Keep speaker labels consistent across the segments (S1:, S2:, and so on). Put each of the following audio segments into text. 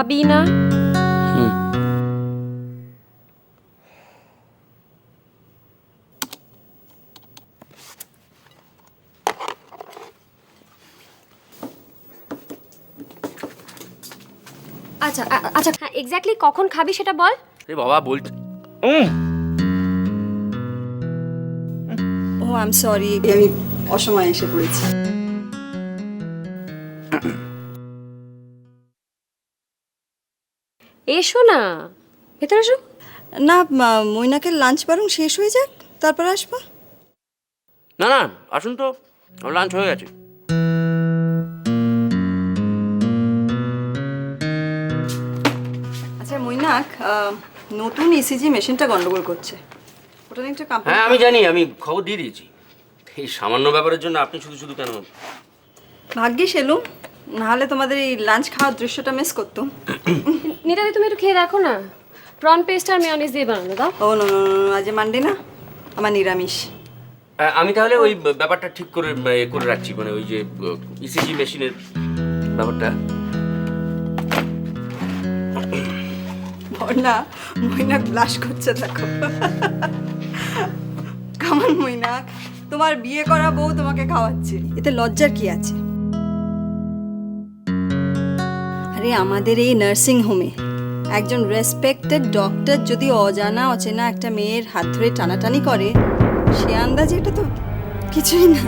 S1: খাবি না? আচ্ছা আচ্ছা, এক্স্যাক্টলি কখন খাবি সেটা বল।
S2: এ বাবা বলছি
S3: ও আই এম সরি, আমি অসময়ে এসে পড়েছি।
S1: এসো না, ভেতরে এসো।
S3: না, মৈনাকের লাঞ্চ বরং শেষ হয়ে যাক, তারপর আসবো।
S2: না না আসুন তো, লাঞ্চ হয়ে গেছে।
S3: আচ্ছা মৈনাক, নতুন ইসিজি মেশিনটা গন্ডগোল করছে, ওটা নিয়ে একটা কমপ্লেইন।
S2: হ্যাঁ আমি জানি, আমি খবর দিয়ে দিয়েছি। এই সামান্য ব্যাপারের জন্য আপনি শুধু শুধু কেন?
S3: ভাগ্যিস এলুম, নাহলে তোমাদের এই লাঞ্চ খাওয়ার দৃশ্যটা মিস করতুম।
S1: নিতাদি তুমি একটু খেয়ে দেখো না, প্রন পেস্ট আর মেয়োনিজ দিয়ে বানানো দাও।
S3: ও নো নো, আজ মানডে না, আমার নিরামিষ।
S2: আমি তাহলে ওই ব্যাপারটা ঠিক করে করে রাখছি, মানে ওই যে ইসিজি মেশিনের ব্যাপারটা।
S3: না, মৈনাক ব্লাশ করছে দেখো। কেমন মৈনাক, তোমার বিয়ে করা বউ তোমাকে খাওয়াচ্ছে, এতে লজ্জার কি আছে? আরে আমাদের এই নার্সিং হোমে একজন রেসপেক্টেড ডক্টর যদি অজানা অচেনা একটা মেয়ের হাত ধরে টানাটানি করে, সে আন্দাজে এটা তো কিছুই না।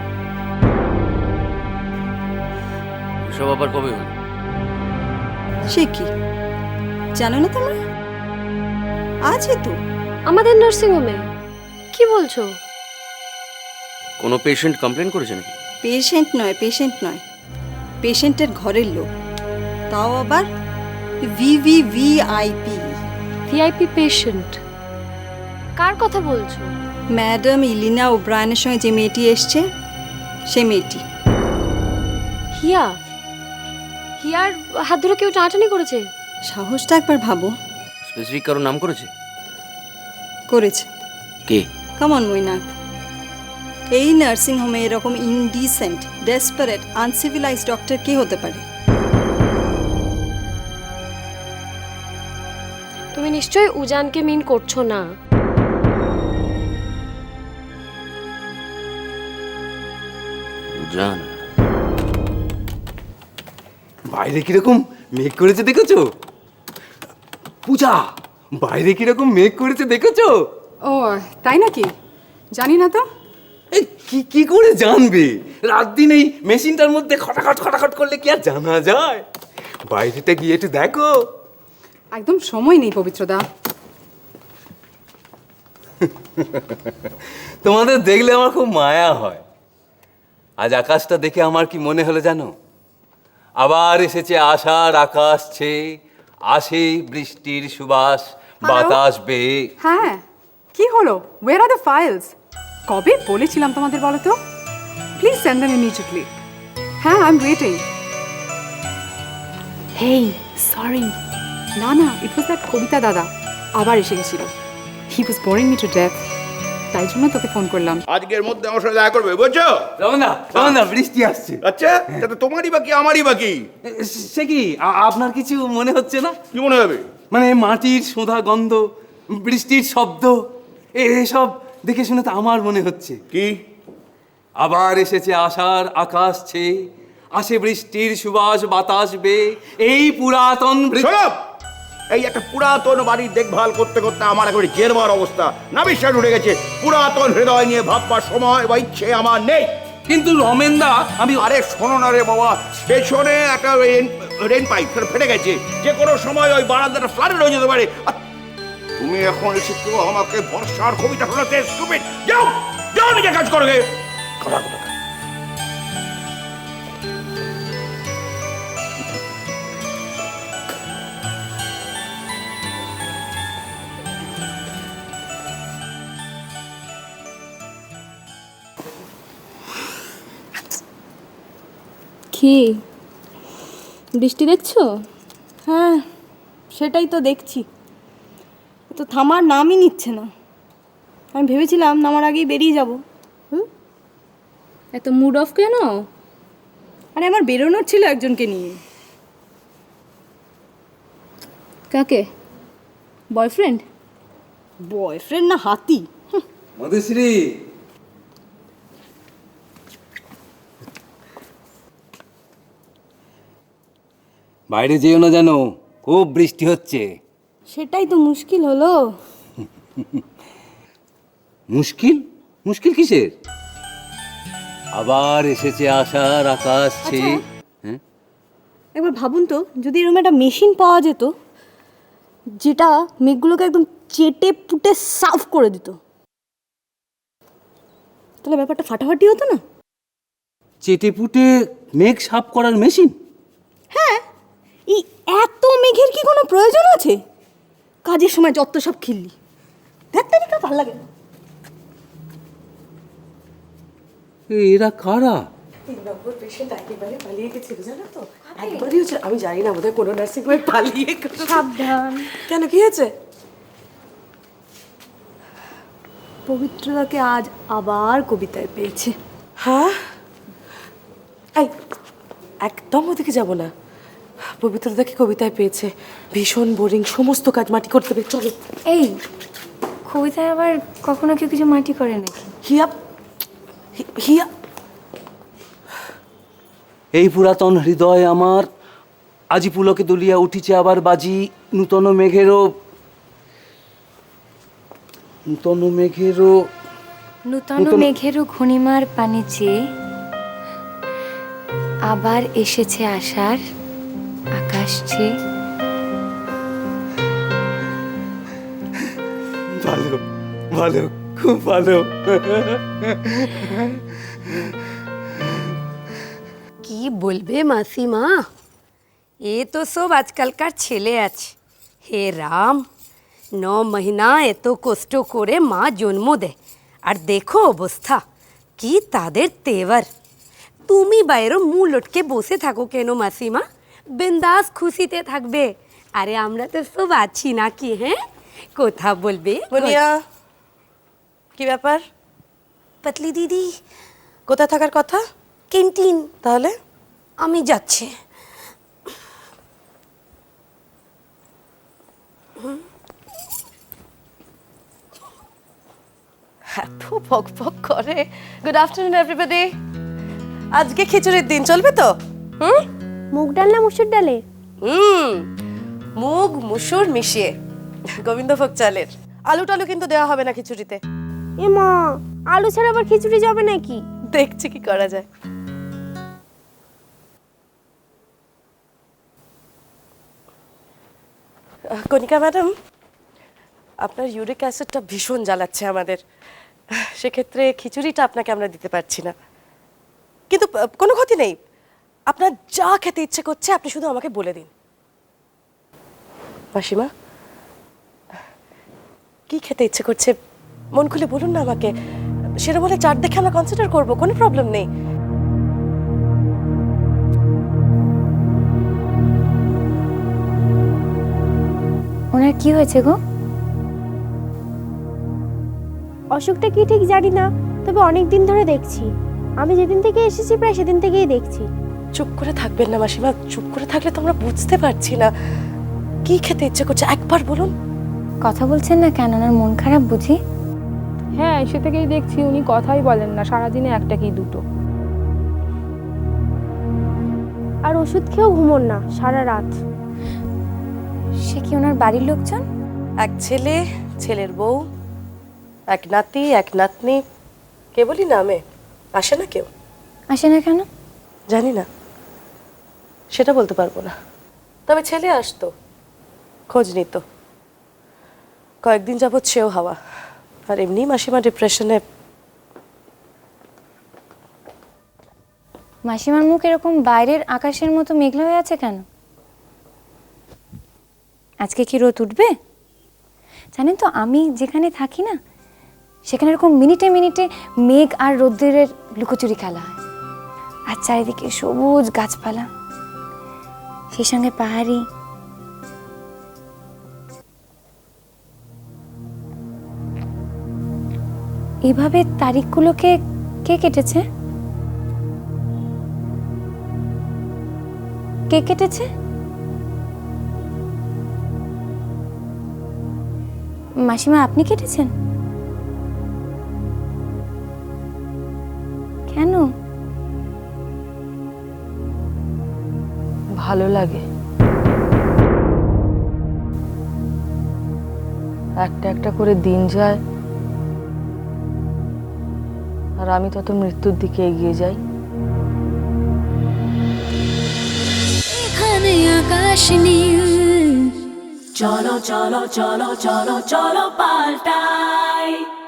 S2: এসব আবার কবে হলো?
S3: সে কি জানো না তোমরা? আছে তো
S1: আমাদের নার্সিং হোমে? কি বলছো?
S2: কোনো পেশেন্ট কমপ্লেন করেছে নাকি?
S3: পেশেন্ট নয়, পেশেন্টের ঘরের লোক, তাও আবার ভিভিভিআইপি।
S1: VIP patient? কার কথা বলছো?
S3: ম্যাডাম ইলিনা ওব্রায়নের সঙ্গে যে মেয়েটি এসছে, সে মেয়েটি।
S1: হিয়া? হিয়ার হাত ধরে কেউ টানাটানি করেছে?
S3: সাহসটা একবার ভাবো।
S2: স্পেসিফিক কারো নাম করেছে?
S3: করেছে।
S2: কে?
S3: কামন মৈনাক, এই নার্সিং হোমে এরকম ইনডিসেন্ট, ডেসপারেট, আনসিভিলাইজড ডক্টর কে হতে পারে?
S1: তুমি নিশ্চয়ই উজানকে মিন করছো না?
S2: জান
S4: বাইরে কিরকম মেঘ করেছে দেখেছো? পূজা, বাইরে কিরকম মেঘ করেছে দেখেছো?
S5: ও তাই নাকি? জানি না তো।
S4: এই কি করে জানবে? রাত দিন এই মেশিনটার মধ্যে খটাখট করলে কি আর জানা যায়? বাইরেটা গিয়ে একটু দেখো।
S5: একদম সময় নেই পবিত্রদা।
S4: তোমাদের দেখলে আমার খুব মায়া হয়। আজ আকাশটা দেখে আমার কি মনে হলো জানো? আবার এসেছে আষাঢ় আকাশ ছেয়ে, আসে বৃষ্টির সুবাস বাতাস বেয়ে।
S5: হ্যাঁ, কি হলো? Where are the files? কবে বলেছিলাম তোমাদের বলো তো? Please send them immediately. হ্যাঁ, I am waiting. Hey, sorry. না, ইট ওয়াজ দ্যাট কবিতা দাদা আবার এসে গেছিল। He was boring me to death, তাই জন্য তোকে ফোন করলাম।
S6: আজকের মধ্যে আমার সাথে দেখা করবে, বুঝছো?
S4: রমনা বৃষ্টি আসছে।
S6: আচ্ছা, তাতে তোমারই বাকি আমারই বাকি।
S4: সে কি আপনার কিছু মনে হচ্ছে না?
S6: কি মনে হবে?
S4: মানে মাটির সোঁধা গন্ধ, বৃষ্টির শব্দ, এসব দেখে শুনে তো আমার মনে হচ্ছে
S6: কি?
S4: আবার এসেছে আষাঢ় আকাশ ছেয়ে, আসে বৃষ্টির সুবাস বাতাস বেয়ে, এই পুরাতন
S6: শোনো, এই একটা পুরাতন বাড়ির দেখভাল করতে করতে আমার এখন জেরবার অবস্থা, না বিশ্বাস উঠে গেছে। পুরাতন হৃদয় নিয়ে ভাববার সময় বা ইচ্ছে আমার নেই।
S4: কিন্তু রমেনদা, আমি
S6: আরে শোনো না রে বাবা, পেছনে একটা রেন পাইপ ফেটে গেছে, যে কোনো সময় ওই বারান্দাটা ফ্লাডেড হয়ে যেতে পারে। আর তুমি এখন এসেছো আমাকে বর্ষার কবিতা শোনাতে? স্টুপিড! যাও যাও, নিজে কাজ করো গে। কথা কথা
S7: কি বৃষ্টি দেখছো? হ্যাঁ, সেটাই তো দেখছি, তো থামার নামই নিচ্ছে না। আমি ভেবেছিলাম নামার আগেই বেরিয়ে যাব। এত মুড অফ কেন? আরে আমার বেরোনোর ছিল একজনকে নিয়ে। কাকে? বয়ফ্রেন্ড?
S3: বয়ফ্রেন্ড না হাতি?
S4: মধুশ্রী, বাইরে যেও না যেন, খুব বৃষ্টি হচ্ছে।
S7: সেটাই তো মুশকিল হলো।
S4: মুশকিল? মুশকিল কিসের? আবার এসেছে আশার আকাশ ছেয়ে। হ্যাঁ,
S7: একবার ভাবুন তো, যদি এরকম একটা মেশিন পাওয়া যেত যেটা মেঘগুলোকে একদম চেটে পুটে সাফ করে দিত, তাহলে ব্যাপারটা ফাটাফাটি হতো না?
S4: চেটে পুটে মেঘ সাফ করার মেশিন?
S7: এই এত মেঘের কি কোনো প্রয়োজন আছে? কাজের সময় যত সব খিল্লি, দেখতে দেখতে ভালো লাগে না।
S4: এরা কারা?
S8: 3 নম্বর পেশেন্ট একেবারে পালিয়ে গেছিল জানো তো, একবারই হচ্ছে। আমি জানি না বোধহয় কোনো নার্সিং হোমে পালিয়ে গেছে।
S7: সাবধান।
S8: কেন, কি হয়েছে?
S7: পবিত্রতাকে আজ আবার কবিতায় পেয়েছে।
S8: হ্যাঁ, এই একদম ওদিকে যাব না। পবিত্রতাকে কবিতায় পেয়েছে, ভীষণ বোরিং, সমস্ত কাজ মাটি করতে হবে। চলো।
S1: এই কবিতায় আবার কখনো কেউ কিছু মাটি করে নাকি?
S8: হিয়া হিয়া
S4: এই পুরাতন হৃদয় আমার আজি পুলকে দুলিয়া উঠিছে আবার বাজি, নূতন মেঘেরও
S1: নূতন মেঘেরও ঘূর্ণিমার পানি চেয়ে আবার এসেছে আশার আকাশ ছেয়ে।
S4: ভালো ভালো, খুব ভালো।
S9: কি বলবে মাসিমা, এ তো সব আজকালকার ছেলে আছে। হে রাম, 9 মহিনা এত কষ্ট করে মা জন্ম দেয়, আর দেখো অবস্থা কি তাদের তেভার। তুমি বাইরে মুখ লটকে বসে থাকো কেন মাসিমা? বিন্দাস খুশিতে থাকবে। আরে আমরা তো সব আছি নাকি? হ্যাঁ, কথা বলবে।
S8: বনিয়া, কি ব্যাপার?
S9: পাতলি দিদি
S8: কোথায় থাকার কথা?
S9: ক্যান্টিন।
S8: তাহলে
S9: আমি যাচ্ছি।
S8: এত ভক ভক করে। Good afternoon everybody. আজকে খিচুড়ির দিন, চলবে তো?
S7: মুগ ডাল না মুসুর ডালে?
S8: মুগ মুসুর মিশিয়ে, গোবিন্দভোগ চালের। আলু টালু কিন্তু দেওয়া হবে না খিচুড়িতে।
S7: এ মা, আলু ছাড়া আবার খিচুড়ি যাবে নাকি?
S8: দেখছি কি করা যায়। কণিকা ম্যাডাম, আপনার ইউরিক অ্যাসিডটা ভীষণ জ্বালাচ্ছে আমাদের। সেক্ষেত্রে খিচুড়িটা আপনাকে আমরা দিতে পারছি না, কিন্তু কোনো ক্ষতি নেই। আপনার যা খেতে ইচ্ছে করছে আপনি শুধু আমাকে বলে দিন। মাসিমা, কি খেতে ইচ্ছে করছে মন খুলে বলুন না আমাকে। সেটা বলে চার দেখে আমরা কনসিডার করবো, কোনো প্রবলেম নেই।
S1: ওনার কি হয়েছে গো?
S7: অসুখটা কি ঠিক জানি না, তবে অনেক দিন ধরে দেখছি। আমি যেদিন থেকে এসেছি প্রায় সেদিন থেকেই দেখছি।
S8: চুপ করে থাকবেন না মাসিমা, চুপ করে থাকলে তো আমরা বুঝতে পারছি না কি খেতে ইচ্ছে করছে, একবার বলুন।
S1: কথা বলছেন না কেন? ওনার মন খারাপ বুঝি?
S5: হ্যাঁ, সে থেকেই দেখছি উনি কথাই বলেন না, সারাদিনে একটা কি দুটো।
S7: আর ওষুধ খেয়েও ঘুমোন না সারা রাত।
S1: সে কি ওনার বাড়ির লোকজন?
S8: এক ছেলে, ছেলের বউ, এক নাতি, এক নাতনি, কেবলই নামে, আসে না কেউ।
S1: আসে না কেন?
S8: জানি না, সেটা বলতে পারবো না। তবে ছেলে আসতো, খোঁজ নিত। কয়েকদিন যাবৎ সেও হাওয়া। আর এমনি মাসিমা ডিপ্রেশনে।
S1: মাসিমার মুখ এরকম বাইরের আকাশের মতো মেঘলা হয়ে আছে কেন? আজকে কি রোদ উঠবে? জানেন তো, আমি যেখানে থাকি না সেখানে এরকম মিনিটে মিনিটে মেঘ আর রোদ্রের লুকোচুরি খেলা হয়। আর চারিদিকে সবুজ গাছপালা, সেই সঙ্গে পাহাড়ি। এইভাবে তারিখগুলোকে কে কেটেছে? কে কেটেছে? মাসিমা আপনি কেটেছেন? কেন?
S10: ভালো লাগে। একটা একটা করে দিন যায় আর আমি তত মৃত্যুর দিকে এগিয়ে যাই।
S11: এখানে আকাশ নীল, চলো চলো চলো চলো চলো পাল্টাই।